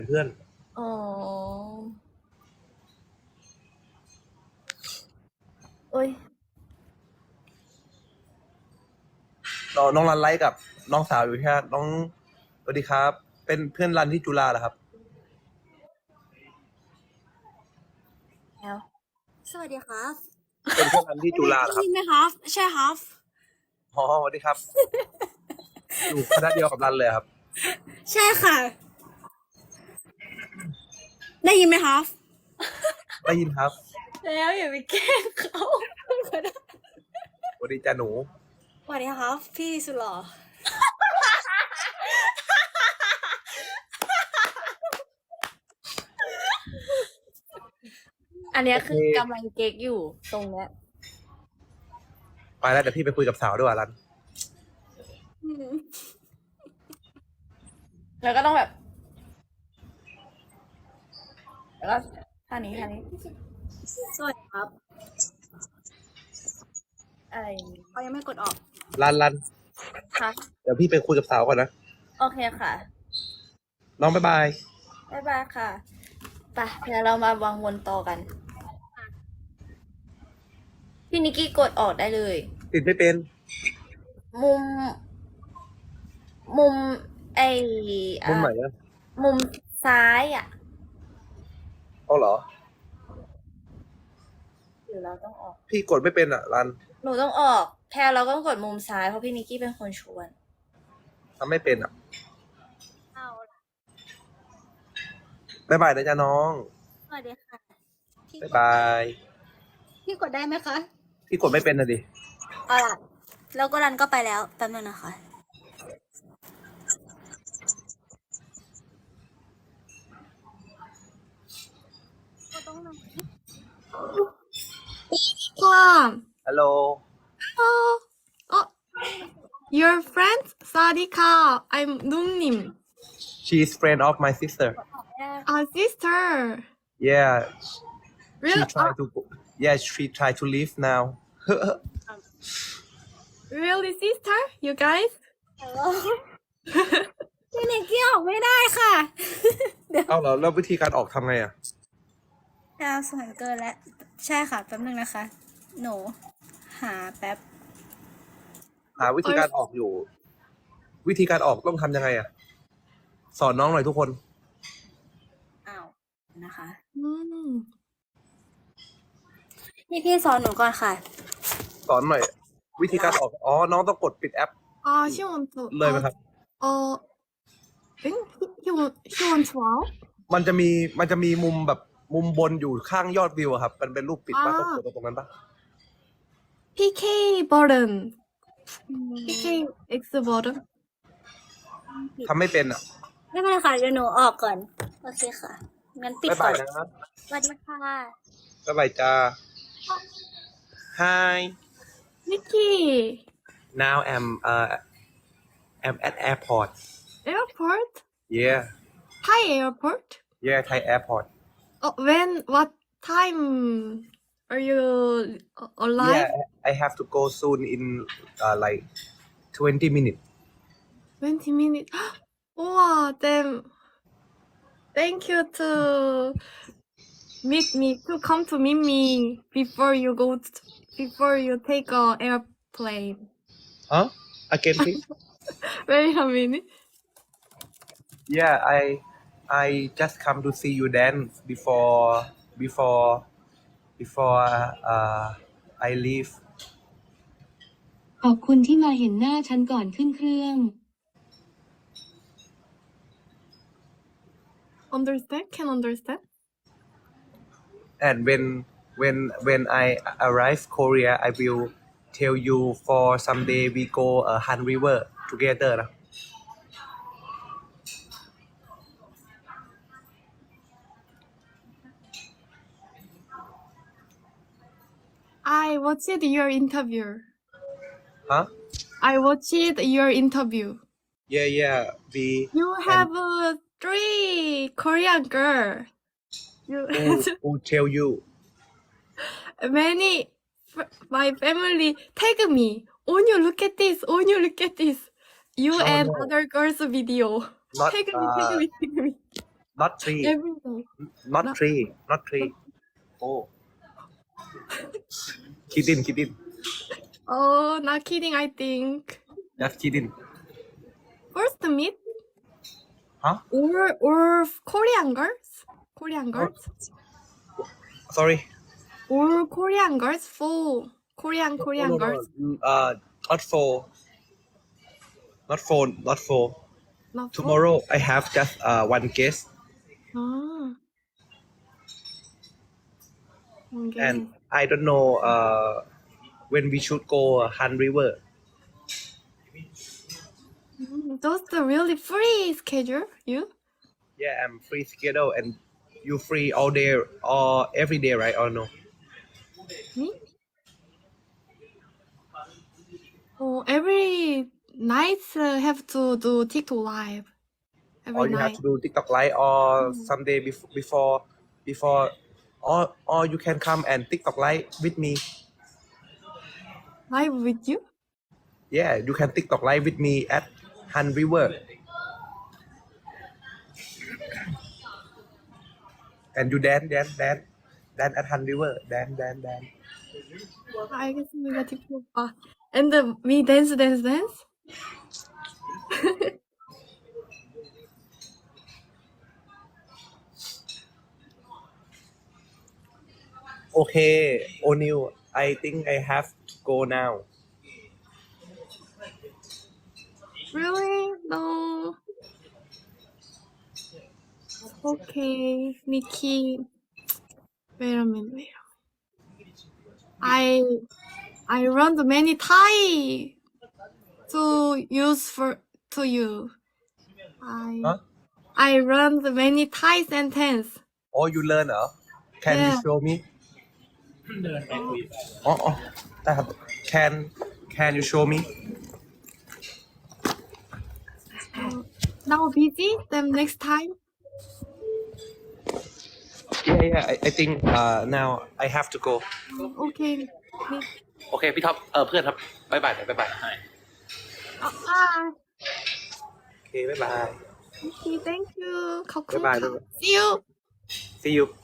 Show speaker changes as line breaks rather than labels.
เพื่อน
อ๋อโอ้ย
น้องรันไลฟ์กับน้องสาวอยู่ใช่ไหมน้องสวัสดีครับ เป็นเพื่อนรันที่จุฬาเหรอครับ
แล้ว
สวัสดีครับ
เป็นเพื่อนรันที่จุฬาเหรอครับ
ได้ยินไหมครับ ใช่ครับ
อ๋อสวัสดีครับ อยู่คณะเดียวกับรันเลยครับ
ใช่ค่ะ ได้ยินไหมครับ
ได้ยินครับ
แล้วอย่าไปแกล้งเขา
สวัสดีจ้าหนู
สวัสดีครับ พี่สุดหล่อ
อันเนี้ยคือ
โอเค
กำลังเก๊กอยู่ตรงเนี้ย
ไปแล้วเดี๋ยวพี่ไปคุยกับสาวด้วยรัน
แล้วก็ต้องแบบ แล้วก็ท่านี้
สวัสดีครับ
อะไรอย่างงี้
เขายังไม่กดออก
รัน
ค่ะ
เดี๋ยวพี่ไปคุยกับสาวก่อนนะ
โอเคค่ะ
น้องบ๊ายบาย
บ๊ายบายค่ะไปเดี๋ยวเรามาวางวนต่อกัน พี่นิกกี้กดออกได้เลย
ติดไม่เป็น
มุม ไอ
มุมไหนอะ
มุมซ้ายอ่ะ
เอาเหรอ
หรือเราต้องออก
พี่กดไม่เป็นอ่ะรัน
หนูต้องออก แพรเราต้องกดมุมซ้ายเพราะพี่นิกกี้เป็นคนชวน
ทำไม่เป็นอ่ะ
เอา
บ๊ายบายนะจ๊ะน้อง
สวัสดีค่ะ พี่
บ๊ายบาย
พี่กดได้ไหมคะ
พี่กดไม่เป็นนะดิ
เอาล่ะ แล้วก็รันก็ไปแล้ว แป๊บนึงนะคะ
ฮัลโหล
Your friend Sadika. I'm Nungnim.
she's friend of my sister
A sister.
yeah
Real,
she try to leave now
really sister? You guys?
พี่นิกกี้ออกไม่ได้ค่ะ
เอาเหรอแล้ววิธีการออกทำไงอ่ะ
ดาวสวยเกินแล้ว ใช่ค่ะ แป๊บนึงนะคะ หนู หาแป๊บ
หาวิธีการออกอยู่ วิธีการออกต้องทำยังไงอ่ะ สอนน้องหน่อยทุกคน
อ้าวนะคะ
Mm.
พี่สอนหนูก่อนค่ะ
สอนหน่อย วิธีการออกอ๋อน้องต้องกดปิดแอป
She wants to.
เลยไหมครับ
Think he wants wow.
มันจะมีมุมแบบมุมบนอยู่ข้างยอดวิวอะครับ มันเป็นรูปปิดป่ะต้องกดตรงนั้นป่ะ
PK button. PK X button.
ทำไม่เป็นอ่ะ
ไม่เป็นไรค่ะ เดี๋ยวหนูออกก่อน โอเคค่ะ งั้นปิด
บ๊าย
ก่
บา
อย น
นะครับ
สวัสดีค่ะ
บ๊ายบายจ้า Hi
Nikki.
now I'm at airport
Airport.
yeah
Thai airport.
yeah Thai airport
What time are you alive?
yeah I have to go soon in like 20 minutes
20 minutes. Wow, then thank you to meet me to come to meet me before you take a airplane.
huh again please
Wait a minute.
yeah I just come to see you dance before I leave
ขอบคุณที่มาเห็นหน้าฉันก่อนขึ้นเครื่อง
Understand? Can understand?
and when I arrive Korea I will tell you for someday we go Han River together นะ
I watched your interview.
huh
I watched your interview.
yeah we
You have three Korean girl.
who tell you
My family tag me. Onyu, look at this. Onyu, look at this. You
Oh,
and
no.
other girls' video.
not
Tag me.
not three
every day.
not
No.
three not three oh kidding
Oh, not kidding. I think
just kidding
first meet
huh
or Korean girls, Korean girls,
sorry
or Korean girls for Korean
no,
girls.
not for not for
Not for.
tomorrow I have just one guest
Ah. Okay.
and I don't know when we should go Han River.
That's the really free schedule. You?
Yeah, I'm free schedule and you free all day or every day, right? Or no?
Me? Oh, every night have to do TikTok live.
Or
Every
you have
night.
to do TikTok live or someday before or you can come and TikTok live with me.
Live with you?
Yeah, you can TikTok live with me at Han River. And you dance at Han River. Dance.
알겠습니다. TikTok 오빠. And we dance.
Okay, O'Neil, I think I have to go now.
Really? No. Okay, Nikki. Wait a minute. I learned many Thai to use to you.
Huh?
I learned many Thai sentence.
Oh, you learn, huh? Can you
Yeah.
show me? Oh, can you show me?
Now busy. Then next time.
Yeah. I think now I have to go.
Okay.
โอเคพี่ท็อปเพื่อนครับบ๊ายบายบ๊ายบาย
Bye.
โอเคบ๊ายบาย
Okay, thank you.
บ๊ายบาย
See you.
See you